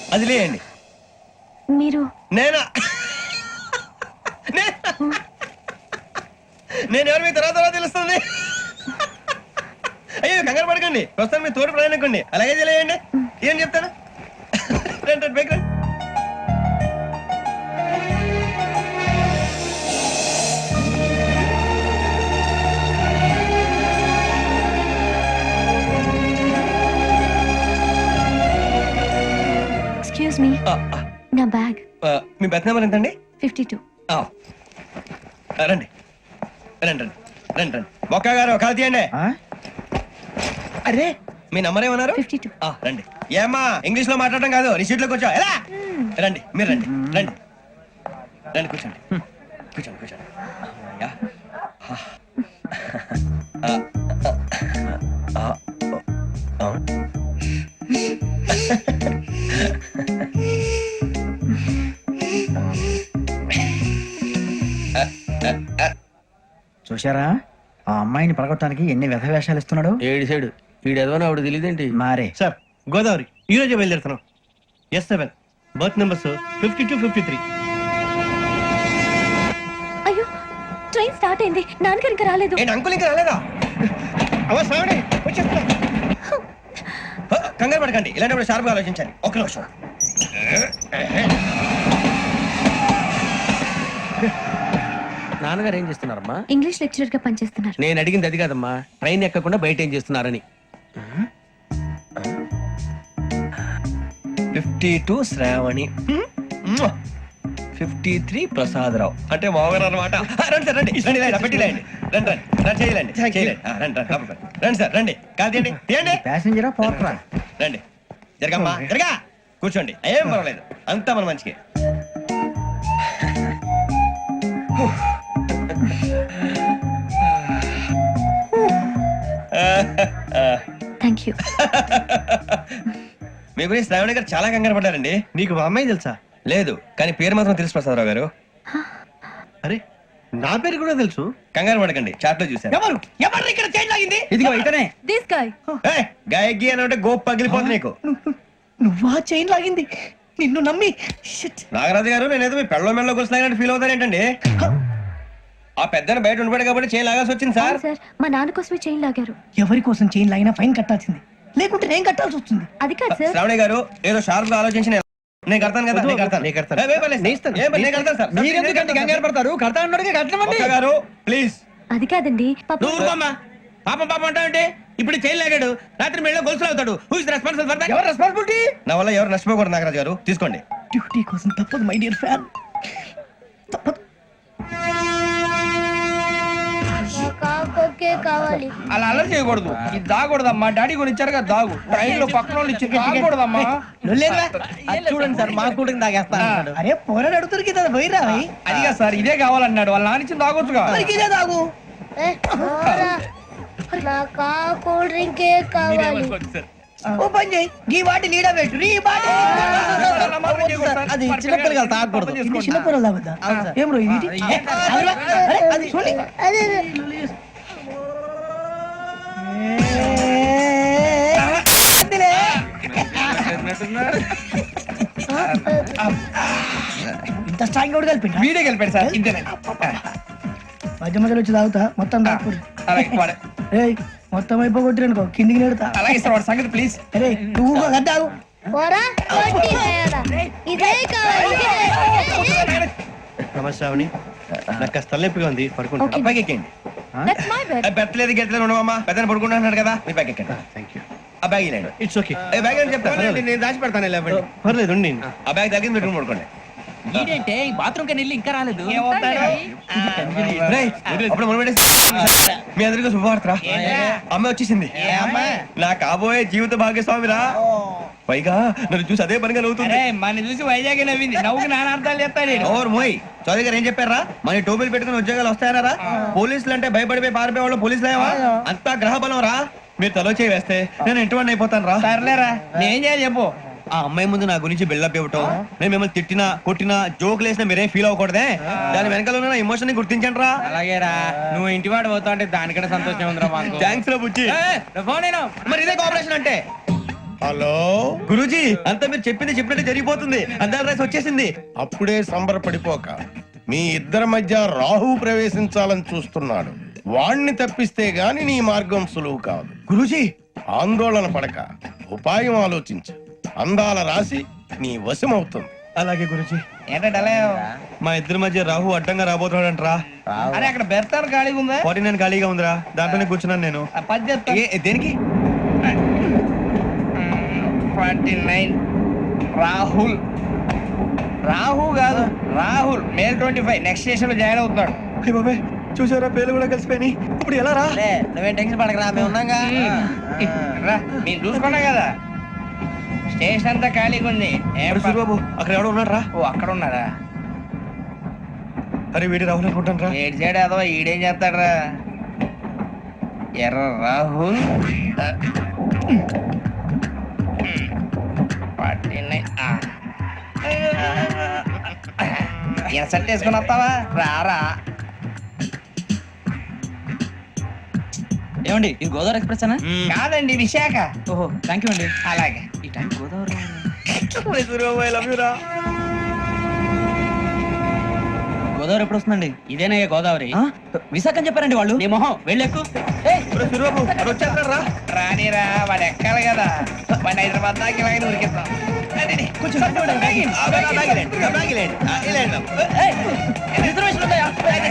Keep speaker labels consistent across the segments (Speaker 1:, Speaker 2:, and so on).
Speaker 1: అది లేయండి.
Speaker 2: మీరు
Speaker 1: నేనా? నేను ఎవరు మీ తర్వాత తెలుస్తుంది. అయ్యో కంగారు పడకండి, ప్రస్తుతం మీ తోడు ప్రయాణకండి. అలాగే తెలియండి. ఏం చెప్తాను? రండి రండి, పైకి రండి.
Speaker 2: ఎక్స్క్యూజ్ మీ, నా బ్యాగ్.
Speaker 1: మీ బెత్ నెంబర్ ఎంతండి?
Speaker 2: 52.
Speaker 1: రండి రండి రండి రండి రండి. మొక్క గారు కాల్ తీయండి. అరే మీ నంబర్ ఏమన్నారు?
Speaker 2: 52.
Speaker 1: రండి. ఏమ్మా ఇంగ్లీష్ లో మాట్లాడడం కాదు, నీ సీట్లో కూర్చో. ఎలా రండి, మీరు రండి రండి రండి, కూర్చోండి కూర్చోండి కూర్చోండి. యా.
Speaker 3: చూశారా ఆ అమ్మాయిని పడగొట్టడానికి ఎన్ని వ్యధ వేషాలు ఇస్తున్నాడు.
Speaker 4: ఏడు సైడు వీడెదవని ఆవిడ తెలియదేంటి?
Speaker 3: మారే
Speaker 1: సార్ గోదావరి ఈ రోజే బయలుదేరుతున్నాం. S7 berth numbers 52, 53.
Speaker 2: అయ్యో, ట్రైన్ స్టార్ట్ అయింది. నాన్నగారు ఇంకా రాలేదు.
Speaker 1: ఏంటి అంకుల్ ఇంకా రాలేదా? కంగారు పడకండి, ఇలాంటప్పుడు షార్ప్గా ఆలోచించాలి. ఒక్క నిమిషం.
Speaker 4: నాన్నగారు ఏం చేస్తున్నారమ్మా?
Speaker 2: ఇంగ్లీష్ లెక్చరర్ గా పనిచేస్తున్నారు.
Speaker 4: నేను అడిగింది అది కాదమ్మా, ట్రైన్ ఎక్కకుండా బయట ఏం చేస్తున్నారని.
Speaker 1: 52 శ్రావణి, 53 ప్రసాదరావు అంటే మామగారు అనమాట. రండి సార్ రండి రండి, ఇలా పెట్టి లేండి. రండి రండి రండి, చేయాలండి చేయాలండి. రండి రండి లోపలికి రండి సార్, రండి కాదు తీయండి తీయండి.
Speaker 3: ప్యాసింజరా పోట్రా.
Speaker 1: రండి జరగమ్మా జరగా, కూర్చోండి. ఏం పర్వాలేదు, అంతా మన మంచికి.
Speaker 2: Thank you.
Speaker 1: మీ గురించి శ్రావణి గారు చాలా కంగారు పడ్డారండి.
Speaker 5: నీకు మా అమ్మాయి తెలుసా?
Speaker 1: లేదు, కానీ పేరు మాత్రం తెలుసు ప్రసాదరావు గారు.
Speaker 5: అరే నా పేరు కూడా తెలుసు.
Speaker 1: కంగారు పడకండి, చాట్ లో చూసాను.
Speaker 5: ఎవరు ఎవరు ఇక్కడ చైన్ లాగింది?
Speaker 3: ఇదిగో ఇతనే.
Speaker 2: This guy.
Speaker 1: గాయకి అని అంటే గోప్ పగిలిపోతుంది నీకు.
Speaker 5: నువ్వా చైన్ లాగింది? నిన్ను నమ్మి. Shit.
Speaker 1: నాగరాజు గారు, నేనేదో మీ పెళ్ళ మెళ్ళ గురిసినట్టు ఫీల్ అవుతారేంటండి? ఆ పెద్దని బయట ఉండిపోయాడు కాబట్టి చేయి లాగాల్సి వచ్చింది సార్.
Speaker 2: సార్, మా నాన్న కోసమే చైన్ లాగారు.
Speaker 5: ఎవరి కోసం చైన్ లాగినా ఫైన్ కట్టాల్సింది, లేకుంటే నేను కట్టాల్సి వస్తుంది.
Speaker 2: అది కాదు సార్.
Speaker 1: శ్రావణి గారు ఏదో షార్ప్ గా ఆలోచించి నేను కడతాను కదా. నేను కడతాను. నేను కడతాను సార్.
Speaker 3: మీరెందుకండి కంగారు పడతారు? కడతా అన్నాడుగా కట్టమండి.
Speaker 1: ఒక్క గారు ప్లీజ్.
Speaker 2: అది కాదండి.
Speaker 4: నువ్వు ఊరుకోమ్మా. పాపం పాపం అంటావంటే? ఇప్పుడు చైన్ లాగాడు, రాత్రి మెళ్ళ గొలుసులు అవుతాడు. Who is responsible for that?
Speaker 3: ఎవరు రెస్పాన్సిబిలిటీ?
Speaker 1: నా వల్ల ఎవరు నష్టపోకూడదు నాగరాజు గారు, తీసుకోండి.
Speaker 5: డ్యూటీ కోసం తప్పదు మై డియర్ ఫ్యాన్, తప్పదు.
Speaker 6: కావాలి.
Speaker 7: అలా అల్లరి చేయకూడదు. ఇది దాగకూడదమ్మా. డాడీ కొని ఇచ్చారు కదా దాగు. ట్రైన్ లో పక్కన వాళ్ళు ఇచ్చి దాగకూడదమ్మా.
Speaker 3: చూడండి సార్, మా కూడా తాగేస్తా.
Speaker 5: అరే పోరాడు అడుగుతారు కదా, పోయిరా.
Speaker 7: అదిగా సార్, ఇదే కావాలన్నాడు. వాళ్ళ నానిచ్చింది తాగొచ్చుగా.
Speaker 5: ఇదే తాగు.
Speaker 6: నాకు కూల్ డ్రింకే కావాలి.
Speaker 5: ఓ పని చేయి, ఈ వాటి లీడ పెట్టు. ఈ వాటి
Speaker 3: అది చిన్నపిల్లలు తాగకూడదు.
Speaker 5: ఇది చిన్నపిల్లలు తాగుతా. ఏం రో ఇది? అరే, అది చూడండి.
Speaker 6: అదే
Speaker 5: ఇంత స్ట్రాంగ్ కూడా కలిపి
Speaker 7: వీడియో గెలిపాడు సార్. ఇంతేనే.
Speaker 5: మధ్య మధ్యలో వచ్చి తాగుతా, మొత్తం తాగకూడదు.
Speaker 7: అలాగే వాడు.
Speaker 5: ఏయ్, మొత్తం అయిపోగొట్టిరనుకో కిందికి నేడుతా.
Speaker 7: అలాగే సార్, వాడి సంగతి ప్లీజ్.
Speaker 5: అరే నువ్వు గద్దాగు.
Speaker 6: పోరా, కొట్టి వేయరా. ఇదే కావాలి.
Speaker 1: నమస్తే శ్రావణి, నాకు కాస్త తలనొప్పిగా ఉంది, పడుకుంటా.
Speaker 2: Okay.
Speaker 1: అబ్బాయికి ఎక్కండి.
Speaker 2: That's my bed.
Speaker 1: బెత్తలేదు గెట్టలేదు ఉండవమ్మా. పెద్దని పడుకుంటున్నాడు కదా, మీ బ్యాగ్ ఎక్కండి.
Speaker 5: Thank you.
Speaker 1: ఆ బ్యాగ్ ఇలాండి.
Speaker 5: It's okay.
Speaker 1: బ్యాగ్ అని చెప్తాను, నేను దాచి పెడతాను.
Speaker 5: పర్లేదు ఉండి.
Speaker 1: ఆ బ్యాగ్ తగ్గింది పెట్టుకుని పడుకోండి.
Speaker 4: ఏంటంటే బాత్రూమ్ కని వెళ్ళి ఇంకా రాలేదు.
Speaker 1: రేయ్, అప్పుడు మొదలు పెట్టేసి మీ అందరికీ శుభవార్తరా. అమ్మాయి వచ్చేసింది, నా కాబోయే జీవిత భాగ్యస్వామిరా. పైగా నన్ను చూసి అదే పనిగా నవ్వుతుంది.
Speaker 7: మన చూసి వైజాగ్ నవ్వింది. నవ్వుకి నాన్న అర్థాలు చెప్తాడు.
Speaker 1: ఓర్ మోయ్, చౌదరి గారు ఏం చెప్పారా? మన టోబీలు పెట్టుకుని ఉద్యోగాలు వస్తాయనరా? పోలీసులు అంటే భయపడిపోయి పారిపోయే వాళ్ళు పోలీసులు ఏవా? అంతా గ్రహ బలం రా. మీరు తలో చేయి వేస్తే నేను ఇంటివాడిని అయిపోతాను రా.
Speaker 7: సర్లేరా, నేనేం చేయాలి చెప్పు.
Speaker 1: ఆ అమ్మాయి ముందు నా గురించి బిల్డప్ ఇవ్వటం, నేను మిమ్మల్ని తిట్టినా కొట్టినా జోకులు వేసినా మీరేం ఫీల్ అవ్వకూడదే. దాని వెనకాల ఉన్న ఎమోషన్ ని గుర్తించండి రా.
Speaker 7: అలాగేరా, నువ్వు ఇంటి వాడు పోతా అంటే దానికంటే సంతోషం ఉందిరా మాకు.
Speaker 1: థ్యాంక్స్ రా బుచ్చి.
Speaker 7: ఫోన్ నేను
Speaker 1: మరి ఇదే కోఆపరేషన్ అంటే.
Speaker 8: హలో,
Speaker 1: గురూజీ అంతా మీరు చెప్పింది చెప్పినట్టు జరిగిపోతుంది. అందాల రాసి వచ్చేసింది.
Speaker 8: అప్పుడే సంబరపడిపోక. మీ ఇద్దరి మధ్య రాహు ప్రవేశించాలని చూస్తున్నాడు. వాణ్ణి తప్పిస్తే గాని నీ మార్గం సులువు కాదు.
Speaker 1: గురూజీ
Speaker 8: ఆందోళన పడక ఉపాయం ఆలోచించు. అందాల రాశి నీ వశమవుతుంది.
Speaker 1: అలాగే గురూజీ.
Speaker 7: ఏంటంటే అలా
Speaker 1: మా ఇద్దరి మధ్య రాహు అడ్డంగా రాబోతున్నాడంట్రా.
Speaker 7: అరే అక్కడ బెర్తాను ఖాళీగా ఉందా
Speaker 1: 49 ఖాళీగా ఉందిరా, దాంట్లోనే కూర్చున్నాను నేను.
Speaker 7: ఆ పది చెప్తా
Speaker 1: దేనికి?
Speaker 7: 49 రాహుల్. రాహు కాదు రాహుల్. మే 25 నెక్స్ట్ స్టేషన్ లో జాయిన్ అవుతున్నాడు.
Speaker 1: అయ్య బాబాయ్, చూసారా పేర్లు కూడా కలిసిపోయినాయి. ఇప్పుడు ఎలా రా?
Speaker 3: నువ్వేం టెన్షన్ పడకరా, మేము ఉన్నాగా.
Speaker 7: రా మీరు చూసుకున్నా కదా స్టేషన్ అంతా ఖాళీగా ఉంది. ఏం
Speaker 1: అరే సూరిబాబు, అక్కడ ఎవడో ఉన్నాడు రా.
Speaker 7: ఓ అక్కడ ఉన్నారా?
Speaker 1: అరే వీడి రాహుల్ అనుకుంటాను రా.
Speaker 7: ఏడు చేయడం అదో ఈడేం చేస్తాడరా? ఎర్ర రాహుల్ 49. ఇన్సర్ట్ వేసుకుని వస్తావా? రారా.
Speaker 3: ఏమండి ఇది గోదావరి ఎక్స్ప్రెస్ అనా?
Speaker 7: కాదండి విశాఖ.
Speaker 3: ఓహో థ్యాంక్ యూ అండి.
Speaker 7: అలాగే
Speaker 3: ఈ time Godavari
Speaker 1: Suribabu, I love you రా.
Speaker 3: గోదావరి ఎప్పుడు వస్తుందండి? ఇదేనయ్య గోదావరి. విశాఖ అని చెప్పారండి వాళ్ళు. నీ మొహం వెళ్ళెక్కు.
Speaker 1: ఒరే సూరిబాబు, అక్కడ వచ్చేస్తాడు రా.
Speaker 7: రానిరా వాడు ఎక్కాలి కదా. వాడిని హైదరాబాద్ దాకా ఇలాగే ఉరికిస్తాం.
Speaker 1: కొంచెం
Speaker 3: రిజర్వేషన్ ఉన్నాయా?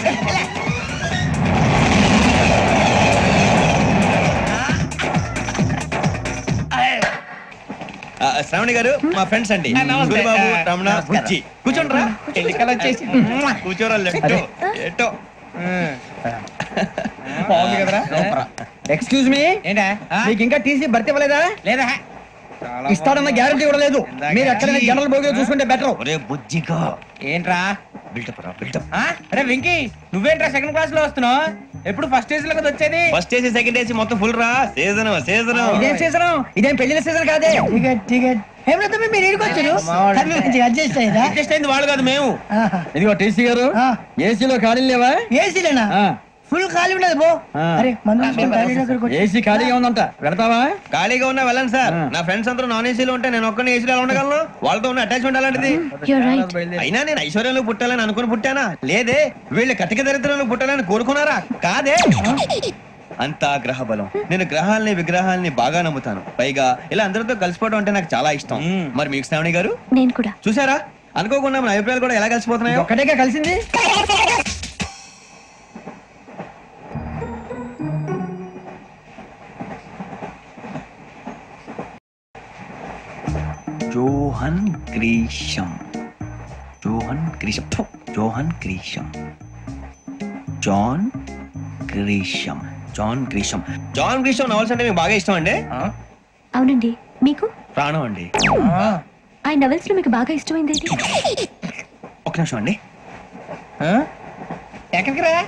Speaker 1: శ్రావణి గారు మా ఫ్రెండ్స్ అండి.
Speaker 7: నమస్తే.
Speaker 1: సూరిబాబు, రమణ, బుజ్జి. కూర్చోండి రా.
Speaker 7: ఎన్నికలు వచ్చేసి
Speaker 1: కూర్చోరా. లెట్టో ఎట్టో.
Speaker 7: బాగుంది కదరా?
Speaker 3: ఎక్స్క్యూజ్ మీ,
Speaker 7: ఏంటా?
Speaker 3: మీకు ఇంకా టీసీ భర్తీ ఇవ్వలేదా?
Speaker 7: లేదా
Speaker 3: ఇస్తాడన్న గ్యారంటీ కూడా లేదు. మీరు ఎక్కడైనా జనరల్ బోగిలో చూసుకుంటే బెటర్.
Speaker 1: ఒరే బుజ్జిగా,
Speaker 7: ఏంట్రా?
Speaker 1: బిల్డప్ రా, బిల్డప్.
Speaker 7: అరే వెంకీ నువ్వేంట్రా సెకండ్ క్లాస్ లో వస్తున్నావు? ఎప్పుడు ఫస్ట్ ఏజ్ లో కదా వచ్చేది?
Speaker 1: ఫస్ట్ ఏసీ సెకండ్ ఏసీ మొత్తం ఫుల్ రా. Season season.
Speaker 3: ఇదేం సీజన్? ఇదేం పెళ్లిన సీజన్ కాదే.
Speaker 5: టికెట్ టికెట్ ఏం లేదు, మీరు ఇరుకొచ్చారు అడ్జస్ట్ అయ్యారా?
Speaker 7: అడ్జస్ట్ అయింది వాళ్ళు కాదు మేము.
Speaker 3: ఇదిగో టీసీ గారు, ఏసీలో ఖాళీలు లేవా?
Speaker 5: ఏసీలేనా? ఫుల్ ఖాళీ ఉండదు బో. అరే మందు తీసుకొని టాయిలెట్ దగ్గరకు వచ్చి.
Speaker 3: ఏసీ ఖాళీగా ఉందంట, పెడతావా?
Speaker 1: ఖాళీగా ఉన్నా వెళ్ళండి సార్. నా ఫ్రెండ్స్ అందరూ నాన్ ఏసీలో ఉంటే నేను ఒక్కనే ఏసీలో ఎలా ఉండగలను? వాళ్ళతో ఉన్న అటాచ్మెంట్ అలాంటిది.
Speaker 2: You're right.
Speaker 1: అయినా నేను ఐశ్వర్యంలో పుట్టాలని అనుకుని పుట్టానా? లేదే. వీళ్ళు కటిక దరిద్రంలో పుట్టాలని కోరుకున్నారా? కాదే. అంతా గ్రహ బలం. నేను గ్రహాలని విగ్రహాలని బాగా నమ్ముతాను. పైగా ఇలా అందరితో కలిసిపోవడం అంటే నాకు చాలా ఇష్టం. మరి మీకు శ్రావణి గారు?
Speaker 2: నేను కూడా.
Speaker 1: చూసారా, అనుకోకుండా మన అభిప్రాయాలు కూడా ఎలా కలిసిపోతున్నాయో.
Speaker 3: ఒక్కటేగా కలిసింది.
Speaker 1: Johan Grisham. Johan Grisham. థు, Johan Grisham. John Grisham. John Grisham. John Grisham novels అంటే మీకు బాగా ఇష్టం అండి?
Speaker 2: అవునండి. మీకు?
Speaker 1: ప్రాణం అండి.
Speaker 2: ఆ నవెల్స్ లో మీకు బాగా ఇష్టమైంది ఏంటి?
Speaker 1: ఒక నిమిషం అండి.
Speaker 7: ఎక్కడికి రా?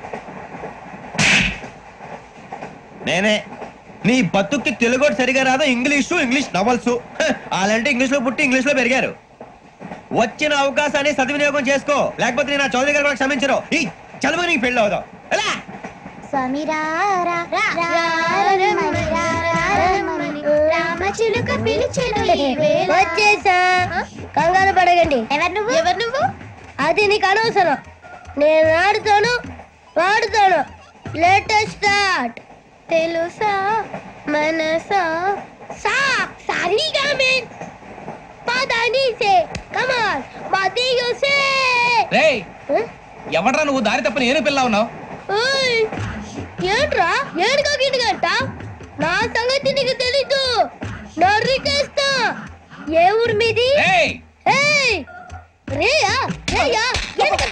Speaker 1: నేనే. నీ బతుక్కి తెలుగు సరిగా రాదు, ఇంగ్లీష్ నవల్స్. అలాంటి ఇంగ్లీష్ లో పుట్టి ఇంగ్లీష్ లో పెరిగారు. వచ్చిన అవకాశాన్ని సద్వినియోగం చేసుకో, లేకపోతే నేను ఆ చౌదరి గారు కూడా క్షమించరు. ఈ చదువు నీకు పెళ్ళి అవుదాం. ఎలా?
Speaker 6: స్వామి రామచిలుక పిలిచెను వచ్చేసా. కంగారు పడగండి. ఎవరు నువ్వు? అది నీకు అనవసరం. నేను ఆడుతాను వాడుతాను. Latest start. తెలుసా మనసా సా సారీగా మెన్ పదని సే కమాన్ బాదియో సే.
Speaker 7: రేయ్ ఎవడ్రా నువ్వు? దారి తప్పని ఏను పిల్ల ఉన్నావు?
Speaker 6: ఓయ్ ఏంట్రా ఏడుగా గిడుగంట? నా సంగతి నీకు తెలీదు. నరికేస్తా. ఏ ఊరు మీది?
Speaker 7: రేయ్
Speaker 6: ఏయ్ రేయా